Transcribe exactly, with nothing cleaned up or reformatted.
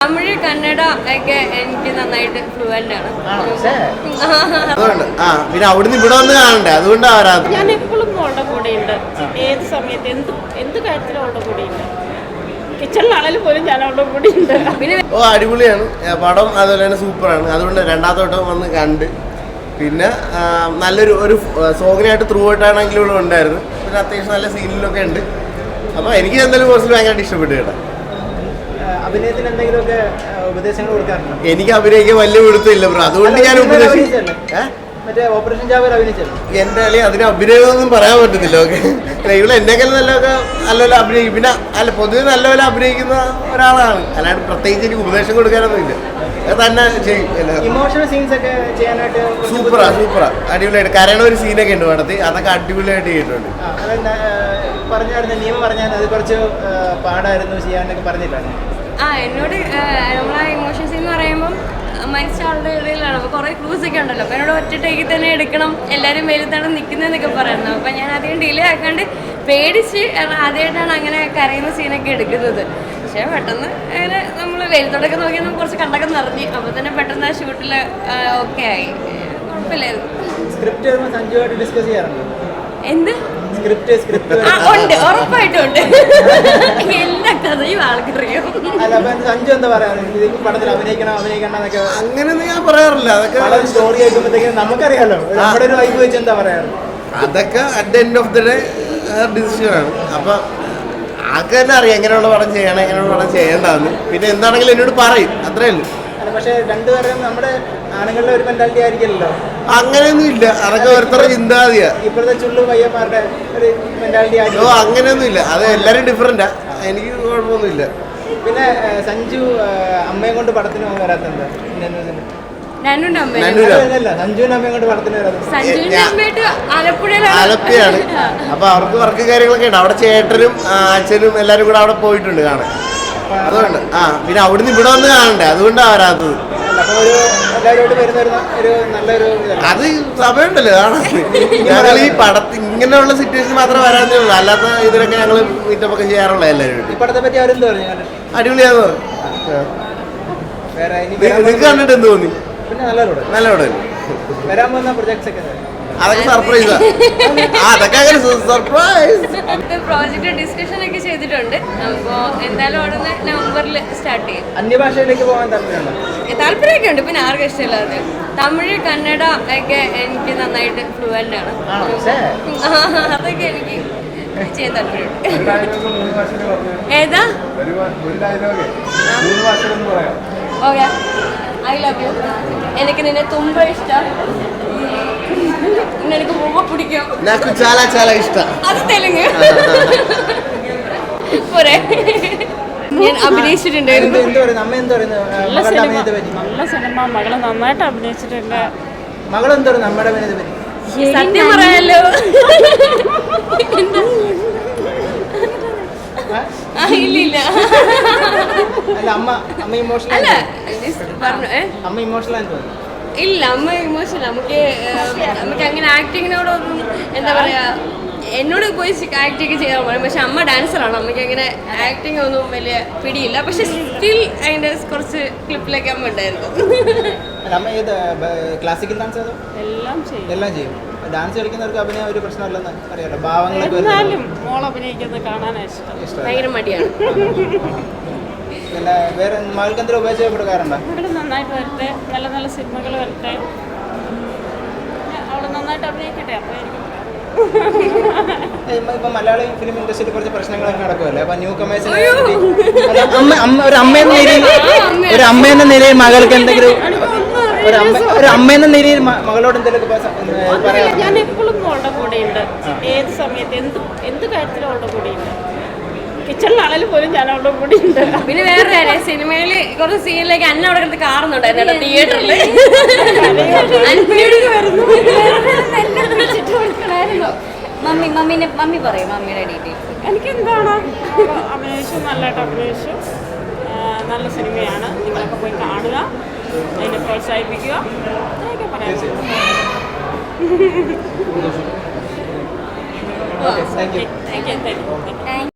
തമിഴ് കന്നഡ ഒക്കെ എനിക്ക് നന്നായിട്ട് ഫ്ലുവൻ്റ് ആണ്. അതുകൊണ്ട് ആ പിന്നെ അവിടുന്ന് ഇവിടെ വന്ന് കാണണ്ടേ, അതുകൊണ്ടാണ് വരാത്തത്. ഞാൻ എപ്പോഴും അവളുടെ കൂടെയുണ്ട്, ഏത് സമയത്ത് എന്ത് എന്ത് കാര്യത്തിലും അവളുടെ കൂടെയുണ്ട്. കിച്ചണിലാണെങ്കിലും പോലും ഞാൻ അവളുടെ കൂടെയുണ്ട്. പിന്നെ ഓ അടിപൊളിയാണ് പടം, അതുപോലെ തന്നെ സൂപ്പറാണ്. അതുകൊണ്ട് രണ്ടാമത്തെ വട്ടം വന്ന് കണ്ട്. പിന്നെ നല്ലൊരു ഒരു സോങ്ങിനായിട്ട് ത്രൂ ഔട്ടാണെങ്കിലും ഇവിടെ ഉണ്ടായിരുന്നു. പിന്നെ അത്യാവശ്യം നല്ല സീനിലൊക്കെ ഉണ്ട്. അപ്പോൾ എനിക്ക് എന്തായാലും കുറച്ച് ഭയങ്കരമായിട്ട് ഇഷ്ടപ്പെട്ടു കേട്ടോ. അഭിനയത്തിന് എന്തെങ്കിലുമൊക്കെ ഉപദേശങ്ങൾ കൊടുക്കാറുണ്ടോ? എനിക്ക് അഭിനയിക്കാൻ വലിയ പിടുത്തമില്ല ബ്രോ, അതുകൊണ്ട് ഞാൻ ഉപദേശിച്ചു. മറ്റേ ഓപ്പറേഷൻ ജാവേർ അഭിനയിച്ചല്ലോ. എൻ്റെ അല്ലെങ്കിൽ അതിന് അഭിനയമൊന്നും പറയാൻ പറ്റത്തില്ല. ഓക്കെ, ഇവിടെ എന്നെക്കാളും നല്ലതൊക്കെ നല്ലപോലെ അഭിനയിക്കും. പിന്നെ അല്ല പൊതുവെ നല്ലപോലെ അഭിനയിക്കുന്ന ഒരാളാണ്, അല്ലാണ്ട് പ്രത്യേകിച്ച് എനിക്ക് ഉപദേശം കൊടുക്കാനൊന്നും ഇല്ല. അത് തന്നെ ചെയ്യും. ഇമോഷണൽ സീൻസ് ഒക്കെ ചെയ്യാനായിട്ട് സൂപ്പറാ സൂപ്പറാ അടിപൊളിയായിട്ട് കരയണ ഒരു സീനൊക്കെ ഉണ്ട് പടത്തിൽ, അതൊക്കെ അടിപൊളിയായിട്ട് ചെയ്തിട്ടുണ്ട്. പറഞ്ഞായിരുന്നു നിയമം പറഞ്ഞാൽ അത് കുറച്ച് പാടായിരുന്നു ചെയ്യാനൊക്കെ പറഞ്ഞിട്ടാണ്. ആ എന്നോട് നമ്മളെ ഇമോഷൻസ് എന്ന് പറയുമ്പം മരിച്ച ആളുടെ ഇടയിലാണ്. അപ്പോൾ കുറേ ക്ലൂസ് ഒക്കെ ഉണ്ടല്ലോ. അപ്പോൾ എന്നോട് ഒറ്റ ടേക്കിൽ തന്നെ എടുക്കണം, എല്ലാവരും വെയിലത്താണ് നിൽക്കുന്നതെന്നൊക്കെ പറയുന്നത്. അപ്പോൾ ഞാൻ അധികം ഡിലേ ആക്കാണ്ട് പേടിച്ച്, കാരണം ആദ്യമായിട്ടാണ് അങ്ങനെ കരയുന്ന സീനൊക്കെ എടുക്കുന്നത്. പക്ഷേ പെട്ടെന്ന് അങ്ങനെ നമ്മൾ വെയിലത്തോടൊക്കെ നോക്കി നമുക്ക് കുറച്ച് കണ്ടൊക്കെ നിറഞ്ഞ്, അപ്പോൾ തന്നെ പെട്ടെന്ന് ആ ഷൂട്ടിൽ ഓക്കെ ആയി, കുഴപ്പമില്ലായിരുന്നു. സ്ക്രിപ്റ്റ് സഞ്ജുവായിട്ട് ഡിസ്കസ് ചെയ്യാറുണ്ട്. എന്ത് സ്ക്രിപ്റ്റ് സ്ക്രിപ്റ്റ് ഉണ്ട്, ഉറപ്പായിട്ടും ഉണ്ട്. എല്ലാ കഥയും ആൾക്കറിയും. അല്ല അപ്പൊ സഞ്ജു എന്താ പറയാ, പടത്തിൽ അഭിനയിക്കണം അഭിനയിക്കണം എന്നൊക്കെ? അങ്ങനെയൊന്നും ഞാൻ പറയാറില്ല. അതൊക്കെ സ്റ്റോറി ആയിക്കുമ്പോഴത്തേക്കും നമുക്കറിയാലോ, നമ്മുടെ ഒരു വൈബ് വെച്ച് എന്താ പറയാറ്. അതൊക്കെ at the end of the day ഡിസിഷനാണ്. അപ്പം ആൾക്ക് തന്നെ അറിയാം എങ്ങനെയുള്ള പടം ചെയ്യണം, എങ്ങനെയുള്ള പടം ചെയ്യേണ്ടതെന്ന്. പിന്നെ എന്താണെങ്കിലും എന്നോട് പറയും, അത്രേ ഉള്ളൂ. പക്ഷെ രണ്ടുപേരും നമ്മുടെ ആണുങ്ങളുടെ ഒരു മെന്റാലിറ്റി ആയിരിക്കില്ലല്ലോ. അങ്ങനെയൊന്നും ഇല്ല, അതൊക്കെ ഓരോരുത്തരുടെ ചിന്താഗതിയാ. ഇപ്പോഴത്തെ ചുള്ളു പയ്യന്മാരുടെ ഒരു മെന്റാലിറ്റി ആയിരിക്കും. ഓ അങ്ങനെയൊന്നും ഇല്ല, അത് എല്ലാവരും ഡിഫറെന്റാ, എനിക്ക് കുഴപ്പമൊന്നുമില്ല. പിന്നെ സഞ്ജു അമ്മയെ കൊണ്ട് പടത്തിന് വരാത്തത് സഞ്ജുവിന്റെ അമ്മയെ കൊണ്ട് പടത്തിന് വരാത്തത് ആലപ്പുഴയാണ്. അപ്പൊ അവർക്ക് വർക്ക് കാര്യങ്ങളൊക്കെ ഉണ്ട്. അവിടെ ചേട്ടനും അച്ഛനും എല്ലാരും കൂടെ അവിടെ പോയിട്ടുണ്ട് കാണാൻ. അതുകൊണ്ട് ആ പിന്നെ അവിടുന്ന് ഇവിടെ വന്ന് കാണണ്ടേ, അതുകൊണ്ടാണ് വരാത്തത്. അത് സമയമുണ്ടല്ലോ കാണാൻ. ഞങ്ങൾ ഈ പടത്തിൽ ഇങ്ങനെയുള്ള സിറ്റുവേഷൻ മാത്രമേ വരാത്തേ ഉള്ളൂ, അല്ലാത്ത ഇതിലൊക്കെ ഞങ്ങൾ മീറ്റപ്പൊക്കെ ചെയ്യാറുള്ള എല്ലാവരും. അടിപൊളിയാന്ന് പറഞ്ഞു. നിങ്ങൾക്ക് കണ്ടിട്ട് എന്ത് തോന്നി? നല്ല പടം. വരാൻ പോകുന്ന പ്രൊജക്ട്സ് ഒക്കെ അതൊക്കെ സർപ്രൈസാ. അതൊക്കെ അങ്ങനെ സർപ്രൈസ്. പ്രോജക്റ്റ് ഡിസ്കഷൻ ഒക്കെ ചെയ്തിട്ടുണ്ട്. അപ്പോൾ എന്തായാലും ഉടനെ നവംബറിൽ സ്റ്റാർട്ട് ചെയ്യും. അന്യഭാഷയിലേക്ക് പോകാൻ താല്പര്യമുണ്ടോ? താല്പര്യമൊക്കെ ഉണ്ട്, പിന്നെ ആർക്കും ഇഷ്ടമില്ലാതെ. തമിഴ് കന്നഡ ഒക്കെ എനിക്ക് നന്നായിട്ട് ഫ്ലുവൻ്റ് ആണ്. അതൊക്കെ എനിക്ക് ചെയ്യാൻ താല്പര്യമുണ്ട്. ഏതാ? ഓക്കെ, ഐ ലവ് യു, എനിക്ക് നിന്നെ തുമ്പ ഇഷ്ടം, എനിക്ക് ரொம்ப பிடிக்கும், నాకు చాలా చాలా ఇష్టం. അത് തെലുങ്ക് പോരെ. ഞാൻ അഭിനയിച്ചിട്ടുണ്ടായിരുന്നു. നല്ല സിനിമ, മകള് നന്നായിട്ട് അഭിനയിച്ചിട്ടുണ്ട്. മകളെന്തോ നമ്മുടെ അഭിനയത്തെ പറ്റി സത്യം പറയാലോ. ഇല്ലില്ല, അമ്മ അമ്മ ഇമോഷണൽ അല്ല പറഞ്ഞു അമ്മ ഇമോഷണൽ ആണെന്ന് തോന്നുന്നു. ഇല്ല, അമ്മ ഇമോഷണൽ. നമുക്ക് നമുക്ക് അങ്ങനെ ആക്ടിങ്ങിനോടൊന്നും എന്താ പറയാ, എന്നോട് പോയി ആക്ടിങ് ചെയ്യാൻ പറയും. പക്ഷെ അമ്മ ഡാൻസറാണ്, അമ്മയ്ക്ക് അങ്ങനെ ആക്ടിങ് ഒന്നും വലിയ പിടിയില്ല. പക്ഷെ സ്റ്റിൽ അതിൻ്റെ കുറച്ച് ക്ലിപ്പിലൊക്കെ അമ്മ ഉണ്ടായിരുന്നു. അമ്മ ഏത് ക്ലാസിക്കൽ ഡാൻസ് അതോ? എല്ലാം ചെയ്യും, എല്ലാം ചെയ്യും. ഡാൻസ് കളിക്കുന്നവർക്ക് അഭിനയം ഒരു പ്രശ്നമല്ലെന്ന് അറിയാലോ. ഭാവങ്ങളൊക്കെ മോൾ അഭിനയിക്കുന്നത് കാണാനാണ് ഇഷ്ടം. ഭയങ്കര മടിയാണ്. പിന്നെ വേറെ മകൾക്ക് എന്തെങ്കിലും ഉപയോഗപ്പെടുക്കാറുണ്ടോ? ഇവിടെ നന്നായിട്ട് വരട്ടെ, നല്ല നല്ല സിനിമകൾ വരട്ടെ, അവള് നന്നായിട്ട് അഭിനയിക്കട്ടെ. അപ്പോൾ ഇപ്പൊ മലയാളി ഫിലിം ഇൻഡസ്ട്രിയിൽ കുറച്ച് പ്രശ്നങ്ങളൊക്കെ നടക്കുമല്ലേ. അപ്പൊ ന്യൂ കമേഴ്സിന് ഒരു അമ്മ എന്ന നിലയിൽ ഒരു അമ്മ എന്ന നിലയിൽ മകൾക്ക് എന്തെങ്കിലും ഒരു അമ്മ ഒരു അമ്മ എന്ന നിലയിൽ മകളോട് എന്തെങ്കിലും പറയാം? ഞാൻ എപ്പോഴും അവളുടെ കൂടെയുണ്ട്, ഏത് സമയത്ത് എന്ത് എന്ത് കാര്യത്തിലും അവളുടെ കൂടെയുണ്ട്. കിച്ചണിലാണെങ്കിലും പോലും ഞാൻ അവളുടെ കൂടെയുണ്ട്. പിന്നെ വേറെ കാര്യം, സിനിമയിൽ കുറച്ച് സീനിലേക്ക് അന്ന അവിടെ കിടന്ന് കാറുന്നുണ്ടായിരുന്നു തിയേറ്ററിൽ. മമ്മി മമ്മീനെ മമ്മി പറയും മമ്മിയുടെ ഡീറ്റെയിൽസ്. എനിക്ക് എന്താണ് അഭിനയിച്ചു, നല്ലതായിട്ട് അഭിനയിച്ചു. നല്ല സിനിമയാണ്, നിങ്ങളൊക്കെ പോയി കാണുക, അതിനെ പ്രോത്സാഹിപ്പിക്കുക, അതൊക്കെ പറയാം. Thank you. Thank you thank U.